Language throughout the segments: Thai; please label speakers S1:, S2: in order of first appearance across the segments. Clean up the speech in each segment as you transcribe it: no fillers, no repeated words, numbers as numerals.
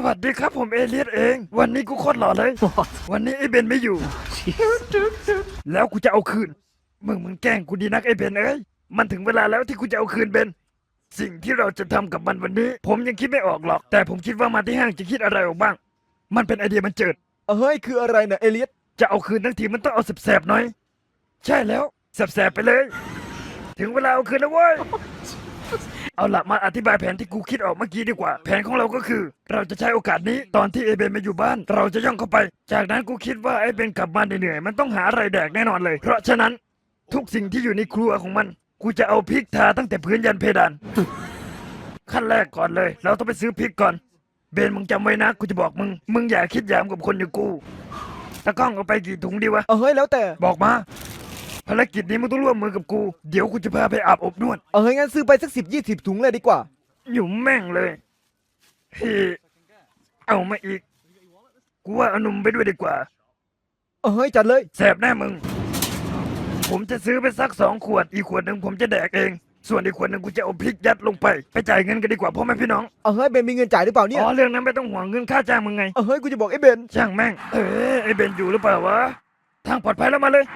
S1: วัสดีครับผมเอเลียสเองวันนี้กูโคตรหล่อเลยวันนี้ไอ้เบนไม่อยู่ แล้วกูจะเอาคืนมึงแกล้งกูดีนักไอ้เบนเอ้ยมันถึงเวลาแล้วที่กูจะเอาคืนเบนสิ่งที่เราจะทำกับมันวันนี้ ผมยังคิดไม่ออกหรอกแต่ผมคิดว่ามาที่ห้างจะคิดอะไรออกบ้างมันเป็นไอเดียมันเจิด
S2: เฮ้ยคืออะไรนะเอเลียส
S1: จะเอาคืนทั้งทีมันต้องเอาแสบๆหน่อยใช่แล้วแสบๆไปเลย ถึงเวลาเอาคืนแล้วเว้ย เอาละมาอธิบายแผนที่กูคิดออกเมื่อกี้ดีกว่า แผนของเราก็คือ เราจะใช้โอกาสนี้ตอนที่เอเบนมาอยู่บ้าน เราจะย่องเข้าไป จากนั้นกูคิดว่าไอ้เบนกลับมาเหนื่อยๆมันต้องหาอะไรแดกแน่นอนเลย เพราะฉะนั้นทุกสิ่งที่อยู่ในครัวของมัน กูจะเอาพริกทาตั้งแต่พื้นยันเพดาน ขั้นแรกก่อนเลย เราต้องไปซื้อพริกก่อน เบนมึงจำไว้นะกูจะบอกมึงอย่าคิดหยามกับคนอย่างกูตะกล้องเอาไปกี่ถุงดีวะ
S2: เฮ้ยแล้วแต่
S1: บอกมาภารกิจนี้มึงต้องร่วมมือกับกูเดี๋ยวกูจะพาไปอาบอบนวด
S2: เฮ้ยงั้นซื้อไปสัก10-20 ถุงเลยดีกว่า
S1: หยุ่มแม่งเลยเฮ้เอามาอีก กูว่าเอานมไปด้วยดีกว่า
S2: เฮ้ยจัดเลย
S1: แสบแน่มึง ผมจะซื้อไปสัก2 ขวด อีกขวดหนึ่งผมจะแดกเอง ส่วนอีกขวดหนึ่งกูจะเอาพริกยัดลงไป ไปจ่ายเงินกันดีกว่าพ่อแม่พี่น้อง
S2: เฮ้ยเบนมีเงินจ่ายหรือเปล่าเนี่ย
S1: อ๋อเรื่องนั้นไม่ต้องห่วงเงินค่าจ้างมึงไง
S2: เฮ้ยกูจะบอกไอ้เบน
S1: ช่างแม่ง ไอ้เบนอยู่หรือเปล่าวะ ทางปลอดภัยแล้วมาเลย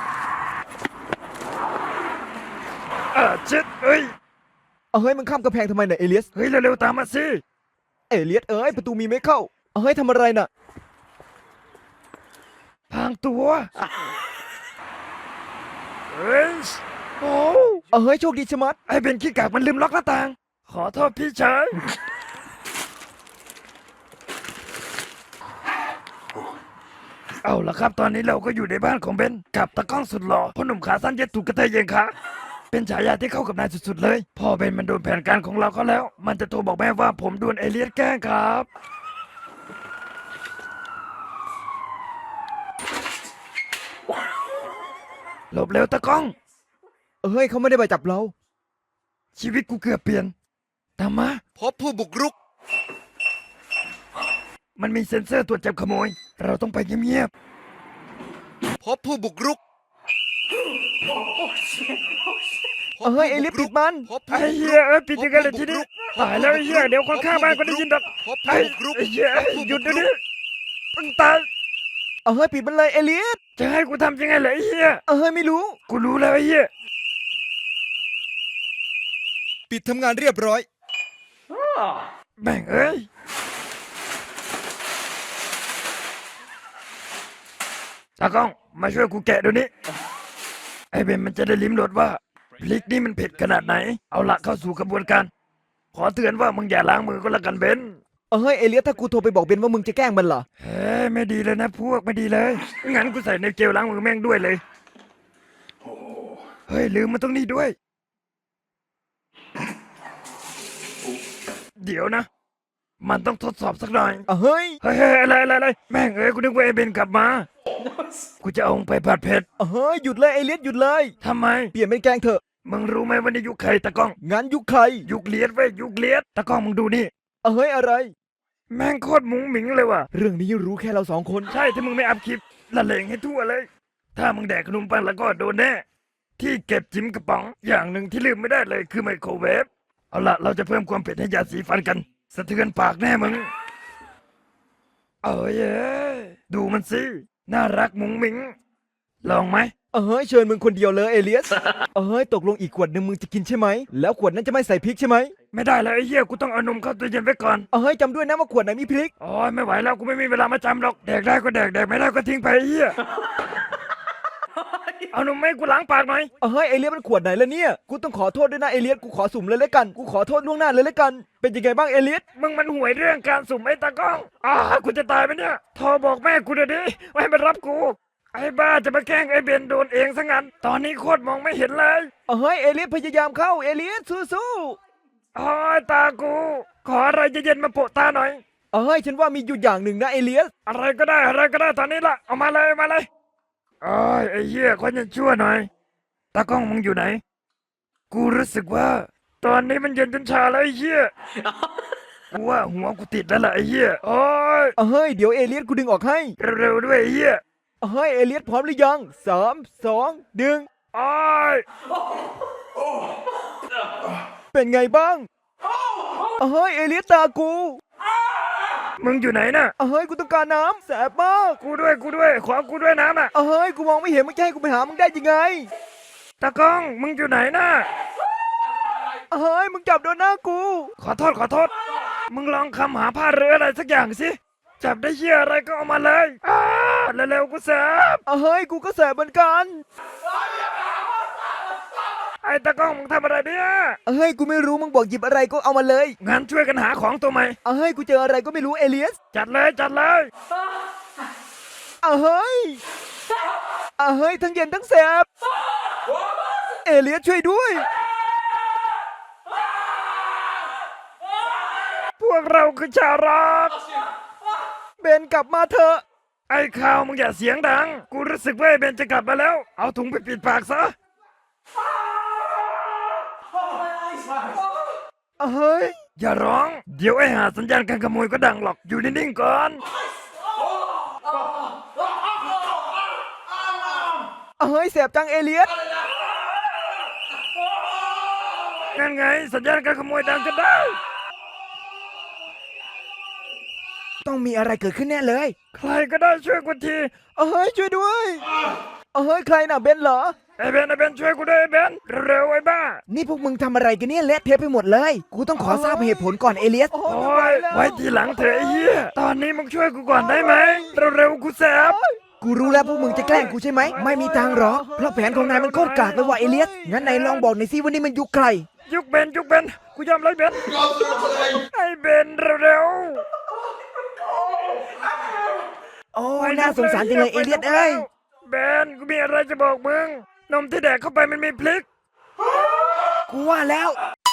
S1: ชิดเฮ้ย
S2: เฮ้ยมึงข้ามกำแพงทำไมเนี่ยเอเลียส
S1: เฮ้ยเร็วๆตามมาสิ
S2: เอเลียสประตูมีไม่เข้าเฮ้ยทำอะไรน่ะ
S1: พรางตัว เฮ้ย โอ้
S2: เฮ้ยโชคดีชะมัด
S1: ไอ้เบนขี้กากมันลืมล็อกหน้าต่าง ขอโทษพี่ชาย เอาละครับตอนนี้เราก็อยู่ในบ้านของเบนกับตะกล้องสุดหล่อพ่อหนุ่มขาสั้นเย็ดถูกกระเทยเยงขาเป็นฉายาที่เข้ากับนายสุดๆเลยพอเบนมันโดนแผนการของเราเขาแล้ว มันจะโทรบอกแม่ว่าผมโดนเอเลียสแกล้งครับหลบเร็วตะกล้อง
S2: เฮ้ยเขาไม่ได้มาจับเรา
S1: ชีวิตกูเกือบเปลี่ยนตามมา
S3: พบผู้บุกรุก
S1: มันมีเซ็นเซอร์ตรวจจับขโมย เราต้องไปเงียบ
S3: พบผู้บุกรุก
S2: เฮ้ยเอเลียสปิดมัน
S3: พบ
S1: ๆ
S3: ผู้
S1: ไอ้
S3: บุก
S1: เหี้
S3: รุ
S1: ย
S3: ก
S1: ปิดยังไงเลยทีนี้ตายแล้วไอ้เหี้ยเดี๋ยวคนข้างบ้านก็ได้ยินดอก
S3: พบ
S1: ไอ้
S3: ผู้บุกรุก
S1: ไอ้เหี้ยหยุดเดี๋ยวนี้มึงตาย
S2: เฮ้ยปิดมันเลยเอเลียส
S1: จะให้กูทำยังไงเหรอไอ้เหี้ย
S2: เฮ้ยไม่รู้
S1: กูรู้แล้วไอ้เหี้ย
S3: ปิดทำงานเรียบร้อย
S1: แม่งเอ้ยตากล้องมาช่วยกูแกะเดี๋ยวนี้ไอ้เบนมันจะได้ลิ้มรสว่าพริกนี่มันเผ็ดขนาดไหน เอาละเข้าสู่กระบวนการ ขอเตือนว่ามึงอย่าล้างมือก็แล้วกันเบน
S2: เฮ้ยเอเลียสถ้ากูโทรไปบอกเบนว่ามึงจะแกล้งมันเหรอ
S1: เฮ้ยไม่ดีเลยนะพวกไม่ดีเลยงั้นกูใส่ในเจลล้างมือแม่งด้วยเลยเฮ้ยลืมมันตรงนี้ด้วย เดี๋ยวนะ มันต้องทดสอบสักหน่อย
S2: เฮ้ย
S1: เฮ้ยอะไรแม่งเอ้ยกูนึกว่าไอ้เบนกลับมา กูจะเอามึงไปผัดเผ็ด
S2: เฮ้ยหยุดเลยเอเลียสหยุดเลย
S1: ทำไม
S2: เปลี่ยนเป็นแกล้งเถอะ
S1: มึงรู้ไหมว่านี่ยุคใครตะกล้อง
S2: งั้นยุคใคร
S1: ยุคเลียดเว้ยยุคเลียดตะกล้องมึงดูนี่
S2: เฮ้ยอะไร
S1: แม่งโคตรมุ้งหมิงเลยว่ะ
S2: เรื่องนี้รู้แค่เราสองคน
S1: ใช่ถ้ามึงไม่อัพคลิปละเลงให้ทั่วเลย ถ้ามึงแดกขนมปังแล้วก็โดนแน่ที่เก็บจิ้มกระป๋องอย่างหนึ่งที่ลืมไม่ได้เลยคือไมโครเวฟเอาละเราจะเพิ่มความเผ็ดให้ยาสีฟันกัน สะเทือนปากแน่มึงเอ้ยดูมันสิน่ารักมุ้งมิงลองไหม
S2: เฮ้ยเชิญมึงคนเดียวเลยเอเลียส เฮ้ยตกลงอีกขวดหนึ่งมึงจะกินใช่ไหม แล้วขวดนั้นจะไม่ใส่พริกใช่ไหม
S1: ไม่ได้แล้วไอ้เหี้ยกูต้องเอานมเข้าตู้เย็นไว้ก่อน
S2: เฮ้ยจำด้วยนะว่าขวดไหนมีพริก
S1: โอ้ยไม่ไหวแล้วกูไม่มีเวลามาจำหรอกแดกได้ก็แดกไม่ได้ก็ทิ้งไปไอ้เหี้ยเอานมให้กูล้างปากหน่อย
S2: เฮ้ยเอเลียสมันขวดไหนแล้วเนี่ย กูต้องขอโทษด้วยนะเอเลียส กูขอสุ่มเลยแล้วกัน กูขอโทษล่วงหน้าเลยแล้วกัน เป็นยังไงบ้างเอเลียส
S1: มึงมันห่วยเรื่องการสุ่มไอ้ตากล้องกูจะตายไหมเนี่ยโทรบอกแม่กูเดี๋ยวนี้ว่าให้มารับกูไอ้บ้าจะมาแกล้งไอ้เบนโดนเองซะงั้นตอนนี้โคตรมองไม่เห็นเลย
S2: เฮ้ยเอเลียสพยายามเข้าเอเลียสสู้
S1: โอ้ยตากูขออะไรเย็นๆมาโปะตาหน่อย
S2: ๆเฮ้ยฉันว่ามีอยู่อย่างหนึ่งนะเอเลียส
S1: อะไรก็ได้ตอนนี้ละเอามาเลยโอ้ยไอ้เหี้ยคนยังชั่วหน่อยตากล้องมึงอยู่ไหน กูรู้สึกว่า ตอนนี้มันเย็นจนชาแล้วไอ้เหี้ยกูว่าหัวกูติดแล้วล่ะไอ้เหี้ยโอ้ย
S2: เฮ้ยเดี๋ยวเอเลียสกูดึงออกให้
S1: เร็วๆด้วยไอ้เหี้ย
S2: เฮ้ยเอเลียสพร้อมหรือยัง3 2 1
S1: โอ้ย
S2: เป็นไงบ้างเฮ้ยเอเลียสตากู
S1: มึงอยู่ไหนน่ะ
S2: เฮ้ยกูต้องการน้ำแสบมาก
S1: กูด้วยขอกูด้วยน้ำน่ะ
S2: เฮ้ยกูมองไม่เห็นมึงจะให้กูไปหามึงได้ยังไง
S1: ตากล้องมึงอยู่ไหนน่ะ
S2: เฮ้ยมึงจับโดนหน้ากู
S1: ขอโทษ มึงลองคำหาผ้าหรืออะไรสักอย่างสิ จับได้เหี้ยอะไรก็เอามาเลยเร็วๆกูแสบ
S2: เฮ้ยกูก็แสบเหมือนกัน
S1: ไอ้ตากล้องมึงทำอะไรเนี่ย
S2: เฮ้ยกูไม่รู้มึงบอกหยิบอะไรก็เอามาเลย
S1: งั้นช่วยกันหาของตัวใหม่
S2: เฮ้ยกูเจออะไรก็ไม่รู้เอเลียส
S1: จัดเลย
S2: เฮ้ยเฮ้ยทั้งเย็นทั้งแสบเอเลียสช่วยด้วย
S1: พวกเราคือชาวร็อก
S2: เบนกลับมาเถอะ
S1: ไอ้ข่าวมึงอย่าเสียงดัง กูรู้สึกว่าไอ้เบนจะกลับมาแล้ว เอาถุงไปปิดปากซะ
S2: เฮ้ย
S1: อย่าร้อง เดี๋ยวไอ้หาสัญญาณการขโมยก็ดังหรอก อยู่นิ่งๆก่อน
S2: เฮ้ยแสบจังเอเลียส
S1: นั่นไง สัญญาณการขโมยดังกันได้
S2: ต้องมีอะไรเกิดขึ้นแน่เลย
S1: ใครก็ได้ช่วยกูที
S2: เฮ้ยช่วยด้วยเฮ้ยใครน่ะเบนเหรอ
S1: ไอ้เบนช่วยกูด้วยไอ้เบนเร็วๆไอ้บ้า
S2: นี่พวกมึงทำอะไรกันเนี่ยเละเทะไปหมดเลย กูต้องขอทราบเหตุผลก่อนเอเลียส
S1: โอ้ยไว้ทีหลังเถอะไอ้เหี้ย ตอนนี้มึงช่วยกูก่อนได้ไหม เร็วๆกูแสบ
S2: กูรู้แล้วพวกมึงจะแกล้งกูใช่ไหม ไม่มีทางหรอกเพราะแผนของนายมันโคตรกากเลยว่ะเอเลียส งั้นนายลองบอกหน่อยสิว่านี่มันยุคใคร
S1: ยุกเบนกูยอมเลยเบนไอ้เบนเร็ว
S2: โอ้
S1: ๆ
S2: ยน่าสงสารจังเลยเอเลียสเอ้ย
S1: เบนกูมีอะไรจะบอกมึง นมที่แดกเข้าไปมันมีพริก
S2: กูว่าแล้ว